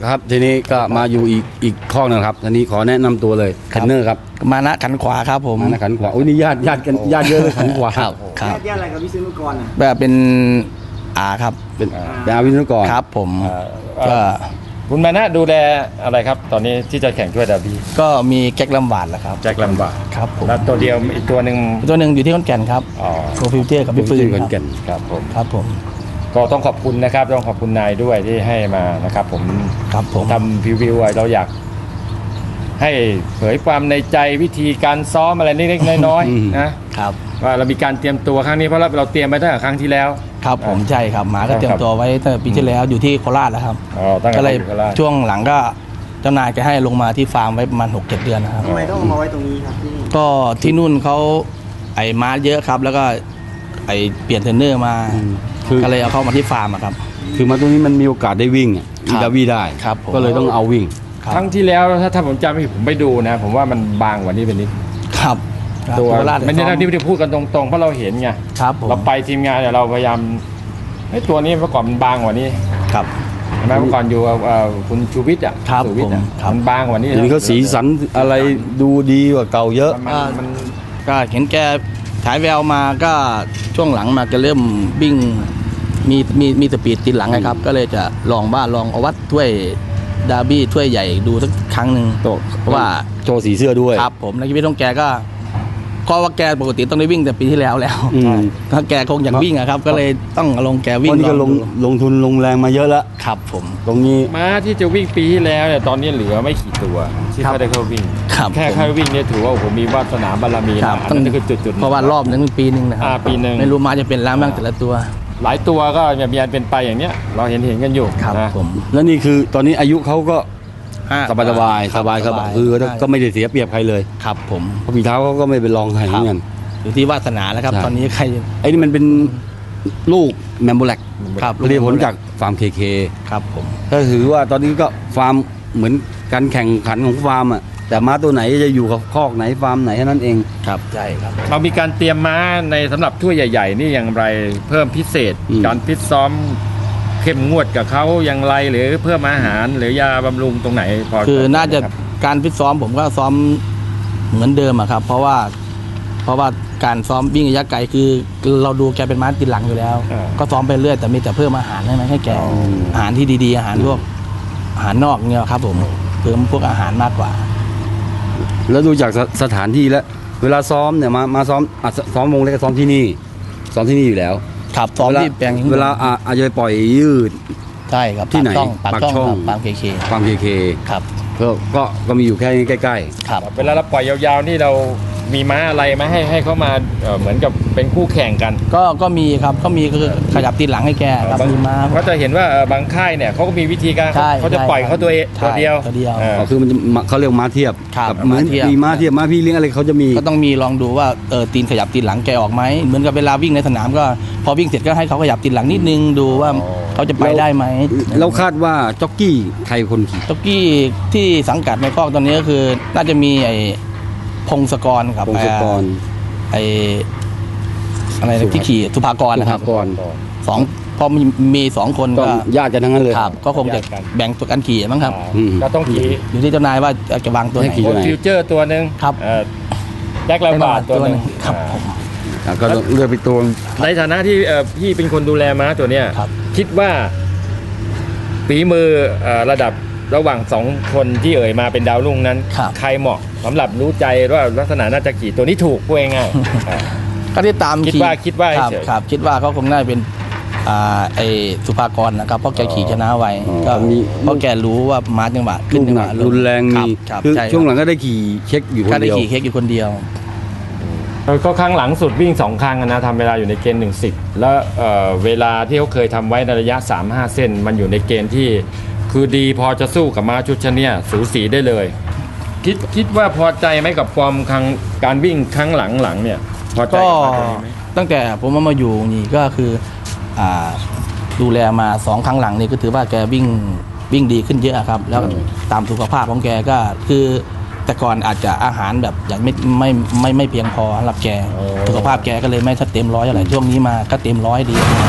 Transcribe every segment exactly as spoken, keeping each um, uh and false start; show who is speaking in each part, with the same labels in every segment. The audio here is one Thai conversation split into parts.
Speaker 1: ครับทีนี้ก็มาอยู่อีกอีกข้อนึงครับทีนี้ขอแนะนำตัวเลยเทรนเนอร์ครับ
Speaker 2: มานะขันขวาครับผม
Speaker 1: มานะขันขวาโอ้ยนี่ญาติญาติกันญาติเยอะเลยขันขวา
Speaker 2: ครับ
Speaker 3: ญาติญาติอะไรกับวิศนุกรอ่ะ
Speaker 2: แบบเป็นอาครับ
Speaker 1: เป็นเป็นอาวิศนุกร
Speaker 2: ครับผมก็
Speaker 4: คุณมานะดูแลอะไรครับตอนนี้ที่จะแข่งถ้วยดาร์บี้
Speaker 2: ก็มีแจ็คลำบากแหละครับ
Speaker 4: แจ็คลำบาก
Speaker 2: ครับผม
Speaker 4: แล้วตัวเดียวอีกตัวหนึ่ง
Speaker 2: ตัวหนึ่งอยู่ที่ขอนแก่นครับ
Speaker 4: อ๋อ
Speaker 2: โปรฟิวเจอร์กับพี่ปืน
Speaker 1: ขอนแก่น
Speaker 4: ครับผม
Speaker 2: ครับผม
Speaker 4: ก็ต้องขอบคุณนะครับต้องขอบคุณนายด้วยที่ให้มานะครับผม
Speaker 2: ครับผม
Speaker 4: ทำพรีวิวเราอยากให้เผยความในใจวิธีการซ้อมอะไรเล็กๆน้อยๆนะครับว่าเรามีการเตรียมตัวครั้งนี้เพราะเราเตรียมไปตั้งแต่ครั้งที่แล้ว
Speaker 2: ครับผมใช่ครับหมาก็เตรียมตัวไว้ตั้งแต่ปีที่แล้วอยู่ที่โคราชแล้วครับ
Speaker 4: ก็
Speaker 2: เลยช่วงหลังก็เจ้านายจะให้ลงมาที่ฟาร์มไว้ประมาณหกเจ็ดเดือนนะครับ
Speaker 3: ทำไมต้องมาไว้ตรงนี้ครับที่นี่
Speaker 2: ก็ที่นู่นเขาไอ้ม้าเยอะครับแล้วก็ไอ้เปลี่ยนเทรนเนอร์มาก็เลยเอาเข้ามาที่ฟาร์มครับ
Speaker 1: คือมาตรงนี้มันมีโอกาสได้วิ่งมีดาวี่ได้ก็เลยต้องเอาวิ่ง
Speaker 4: ครั้งที่แล้วถ้าถ้าผมจำไม่ผิดผมไปดูนะผมว่ามันบางกว่านี้เป็นนิด
Speaker 2: ครับ
Speaker 4: ตัวไม่ได้ที่ไม่ได้พูดกันตรงๆเพราะเราเห็นไงเราไปทีมงานเนี่ยเราพยายามให้ตัวนี้เมื่อก่อนมันบางกว่านี้
Speaker 2: ครับ
Speaker 4: เมื่อก่อนอยู่คุณชูวิทย์อ่ะ
Speaker 2: ชูวิทย์
Speaker 4: มันบางกว่านี้
Speaker 1: ทีนี้เขาสีสันอะไรดูดีกว่าเก่าเยอะ
Speaker 2: มันก็เห็นแกฉายแววมาก็ช่วงหลังมาก็เริ่มวิ่งมีมีมีสปีดติดหลังไงครับก็เลยจะลองบ้านลองเอาวัดถ้วยดาร์บี้ถ้วยใหญ่ดูสักครั้งหนึ่งเพราะว่า
Speaker 1: โชว์สีเสื้อด้วย
Speaker 2: ครับผมในชีวิตของแกก็ก็ว่าแกปกติต้องได้วิ่งแต่ปีที่แล้วแล้วถ้าแกคงอยากวิ่งอะครับก็เลยต้องลงแกวิ่ง
Speaker 1: ตอนนี้ก็ลงลงทุนลงแรงมาเยอะแล้ว
Speaker 2: ครับผม
Speaker 1: ตรงนี้
Speaker 4: ม้าที่จะวิ่งปีที่แล้วเนี่ยตอนนี้เหลือไม่กี่ตัวที่เขาได้เข้าวิ่งแค่เข้าวิ่งเนี่ยถือว่าผมมีวาสนาบารมีนะอันนั้นคือจุดๆ
Speaker 2: เพราะว่ารอบนึงปีนึงนะครับ
Speaker 4: ปีนึง
Speaker 2: ไม่รู้ม้าจะเป็นล้างบ้างแต่ละตัว
Speaker 4: หลายตัวก็มีอันเป็นไปอย่างเนี้ยเราเห็นเห็นกันอยู่
Speaker 2: ครับผม
Speaker 1: แล้วนี่คือตอนนี้อายุเขาก็สบายสบายสบายครับคือก็ไม่ได้เสียเปรียบใครเลย
Speaker 2: ครับผม
Speaker 1: เพราะฝีเท้าเขาก็ไม่เป็นรองใครเหมือนกัน
Speaker 2: อยู่ที่วาสนาแล้วครับตอนนี้ใคร
Speaker 1: ไอ้นี่มันเป็นลูกแมมโบแลก
Speaker 2: ครับ
Speaker 1: เรียกผลจากฟาร์มเคเค
Speaker 2: ครับผม
Speaker 1: ก็ถือว่าตอนนี้ก็ฟาร์มเหมือนการแข่งขันของฟาร์มอ่ะแต่ม้าตัวไหนจะอยู่กับคอกไหนฟาร์มไหนแค่นั้นเอง
Speaker 2: ครับใช่ครับ
Speaker 4: เรามีการเตรียมม้าในสำหรับถ้วยใหญ่ๆนี่อย่างไรเพิ่มพิเศษการพิซ้อมเข้มงวดกับเขาอย่างไรหรือเพิ่มอาหารหรือยาบำรุงตรงไหนพอ
Speaker 2: คือน่าจะการพิซ้อมผมก็ซ้อมเหมือนเดิมอะครับเพราะว่าเพราะว่าการซ้อมวิ่งระยะไกลคือเราดูแกเป็นม้าติดหลังอยู่แล้วก็ซ้อมไปเรื่อยแต่มีแต่เพิ่มอาหารให้ไหมให้แกอาหารที่ดีๆอาหารพวกอาหารนอกเนี่ยครับผมเพิ่มพวกอาหารมากกว่า
Speaker 1: แล้วดูจากสถานที่แล้วเวลาซ้อมเนี่ยมามาซ้อมซ้อมวงเล็กก็ซ้อมที่นี่ซ้อมที่นี่อยู่แล้ว
Speaker 2: ครับซ้อมที่แปลง
Speaker 1: เวลาอาจจะไปปล่อยยืด
Speaker 2: ใช่ครับ
Speaker 1: ที่ไหน
Speaker 2: ปากช่องปากเคเค
Speaker 1: ปากเคเค
Speaker 2: ครับ
Speaker 1: ก็ก็ก็มีอยู่แค่ใกล้
Speaker 2: ๆครับ
Speaker 4: เวลาเราปล่อยยาวๆนี่เรามีม้าอะไรไหมให้ให้เขามาเหมือนกับเป็นคู่แข่งกัน
Speaker 2: ก็ก็มีครับก็มีคือขยับตีนหลังให้แกครับมีม้า
Speaker 4: ก็จะเห็นว่าบางค่ายเนี่ยเขาก็มีวิธีการเขาจะปล่อยเขาตัวเองตัวเดียว
Speaker 2: ตัวเดียว
Speaker 1: ก็คือมันเขาเรียกม้าเทียบกับเหมือนมีม้าเทียบม้าพี่เลี้ยงอะไรเขาจะมี
Speaker 2: ก็ต้องมีลองดูว่าเออตีนขยับตีนหลังแกออกไหมเหมือนกับเวลาวิ่งในสนามก็พอวิ่งเสร็จก็ให้เขาขยับตีนหลังนิดนึงดูว่าเขาจะไปได้ไหม
Speaker 1: แล้วคาดว่าจ็อกกี้ใครคนขี่
Speaker 2: จ็อกกี้ที่สังกัดในคอกตอนนี้ก็คือน่าจะมีไอ้พงศกรครับ
Speaker 1: พงศกร
Speaker 2: ไออะไรที่ขี่สุภากรนะครับสองพอมีมีสองคนก็
Speaker 1: ญาติกันทั้งนั้นเลย
Speaker 2: ครับก็คงจะแบ่งตัวกันขี่มั้งครับ
Speaker 4: ก็ต้องขี่
Speaker 2: อยู่ที่เจ้านายว่าจะวางตัวไหน
Speaker 4: ฟิวเจอร์ตัวหนึ่ง
Speaker 2: ครับ
Speaker 4: แจ็คลำบากตัวหนึ่ง
Speaker 2: ครับ
Speaker 1: ก็เลือกไปตัว
Speaker 4: ในฐานะที่พี่เป็นคนดูแลม้าตัวเนี้ยคิดว่าฝีมือระดับระหว่างสองคนที่เอ่ยมาเป็นดาวรุ่งนั้นใครเหมาะสำหรับรู้ใจว่าลักษณะน่าจะขี่ตัวนี้ถูกพูดง่าย
Speaker 2: ก็ที่ตาม
Speaker 4: คิดว่าคิดว่า
Speaker 2: ครับคิดว่าเขาคงน่าเป็นไอสุภากรนะครับเพราะแกขี่ชนะไวก็เพราะแกรู้ว่าม้าจังหวะ
Speaker 1: ขึ้นจังหวะรุนแรงมีคือช่วงหลังก็ได้ขี่เช็คอยู่คนเดียว
Speaker 2: ก็ได้ขี่เช็คอยู่คนเดียว
Speaker 4: ก็ครั้งหลังสุดวิ่งสองครั้งนะทำเวลาอยู่ในเกณฑ์หนึ่งสิบแล้วเวลาที่เขาเคยทำไว้ในระยะ สามถึงห้า เส้นมันอยู่ในเกณฑ์ที่คือดีพอจะสู้กับม้าชุดชนิดสูสีได้เลยคิดคิดว่าพอใจไหมกับฟอร์มครั้งการวิ่งครั้งหลังหลังเนี่ยพอใจ
Speaker 2: ก็ตั้งแต่ผมมาอยู่นี่ก็คืออ่าดูแลมาสองครั้งหลังนี่ก็ถือว่าแกวิ่งวิ่งดีขึ้นเยอะครับแล้วตามสุขภาพของแกก็คือแต่ก่อนอาจจะอาหารแบบอย่างไม่ไม่ไม่ไม่เพียงพอสำหรับแกสุขภาพแกก็เลยไม่เต็มร้อยอะไรช่วงนี้มาก็เต็มร้อยดี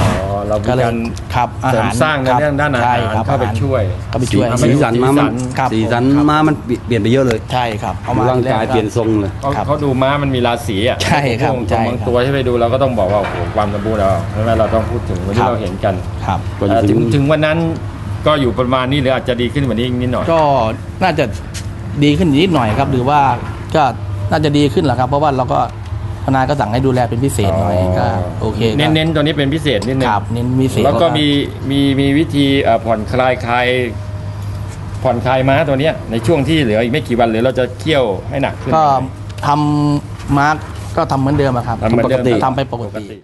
Speaker 4: เรามี
Speaker 2: ก็เลย
Speaker 4: การ
Speaker 2: ครับอา
Speaker 4: เสริม
Speaker 2: หาร
Speaker 4: สร้างใน
Speaker 2: คบ
Speaker 4: เรื่องด้านอา
Speaker 2: ใช่
Speaker 4: หาร
Speaker 2: ครับ
Speaker 4: เข้าไป
Speaker 2: อหร
Speaker 4: ช่วย
Speaker 2: เข้าไปช่วย
Speaker 1: สีสีสันม้ามัน
Speaker 2: ครับ
Speaker 1: สีสัน
Speaker 2: ครับ
Speaker 1: ม้ามันเปลี่ยนไปเยอะเลย
Speaker 2: ใช่ครับเอามา
Speaker 1: ร่างกาย
Speaker 2: แร
Speaker 1: เปลี่ยนทรงเลย
Speaker 4: เขา
Speaker 2: ครับ
Speaker 4: เขาดูม้ามันมีราศีอ่ะ
Speaker 2: ใช่ครับ
Speaker 4: พวก
Speaker 2: ใช่
Speaker 4: บาง
Speaker 2: ครับ
Speaker 4: ตัวที่ไปดูเราก็ต้องบอกว่าโอ้โหความสมบูรณ์เราใช่ไหมเราต้องพูดถึงวัน
Speaker 2: ครั
Speaker 4: ที่
Speaker 2: บ
Speaker 4: เราเห็นกัน
Speaker 2: ครับ
Speaker 1: ก็จะ
Speaker 4: เอ่อ
Speaker 1: ถึ
Speaker 4: ถึ
Speaker 1: ง
Speaker 4: งถึงวันนั้นก็อยู่ประมาณนี้หรืออาจจะดีขึ้นกว่านี้อีกนิดหน่อย
Speaker 2: ก็น่าจะดีขึ้นนิดหน่อยครับ หรือว่าก็น่าจะดีขึ้นแหละครับ เพราะว่าเราก็ทนายก็สั่งให้ดูแลเป็นพิเศษหน่อยก็โอเคก็
Speaker 4: เน้นเน้นตัวนี้เป็นพิเศษนิดนึง
Speaker 2: ครับเน้นพิเศษ
Speaker 4: แล้วก็มีมีมีวิธีเอ่อผ่อนคลายคลายผ่อนคลายม้าตัวเนี้ยในช่วงที่เหลืออีกไม่กี่วันหรือเราจะเคี่ยวให้หนักขึ้น
Speaker 2: ก็ทำมาร์กก็ทำเหมือนเดิมอะครับ
Speaker 4: ทำเหมือนเดิม
Speaker 2: ทำไปปกติ